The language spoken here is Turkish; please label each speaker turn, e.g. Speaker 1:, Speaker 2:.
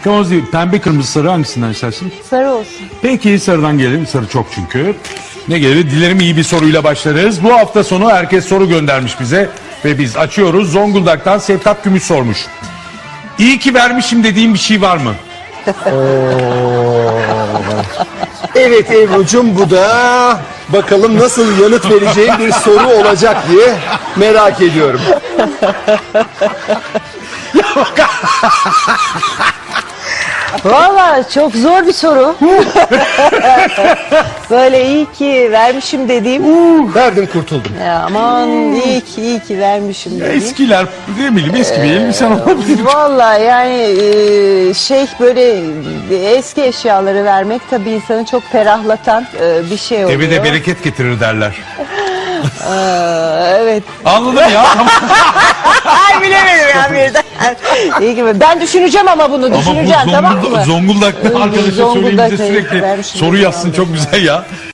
Speaker 1: Kırmızı değil, pembe, kırmızı, sarı hangisinden istersin?
Speaker 2: Sarı olsun.
Speaker 1: Peki sarıdan gelelim. Sarı çok çünkü. Ne gelir? Dilerim iyi bir soruyla başlarız. Bu hafta sonu herkes soru göndermiş bize. Ve biz açıyoruz. Zonguldak'tan Sevtap Gümüş sormuş. İyi ki vermişim dediğim bir şey var mı?
Speaker 3: Evet Ebru'cum, bu da bakalım nasıl yanıt vereceğim bir soru olacak diye merak ediyorum.
Speaker 2: Valla çok zor bir soru. Böyle iyi ki vermişim dediğim.
Speaker 3: Verdim, kurtuldum.
Speaker 2: Ya aman iyi ki vermişim dediğim.
Speaker 1: Eskiler, ne bileyim, eski bir elbisen olabilir.
Speaker 2: Valla yani böyle eski eşyaları vermek tabii insanı çok ferahlatan bir şey oluyor.
Speaker 1: Eve de bereket getirir derler.
Speaker 2: Evet.
Speaker 1: Anladım ya.
Speaker 2: Ay bilemedim ya birden. İyi ki ben düşüneceğim ama bunu
Speaker 1: Ama bu
Speaker 2: düşüneceğim, tamam mı?
Speaker 1: Zonguldak'ta arkadaşa söyleyeyim bize
Speaker 2: Zonguldak'ta
Speaker 1: sürekli
Speaker 2: vermişim
Speaker 1: soru
Speaker 2: dediğim
Speaker 1: yazsın,
Speaker 2: oldu.
Speaker 1: çok güzel ya.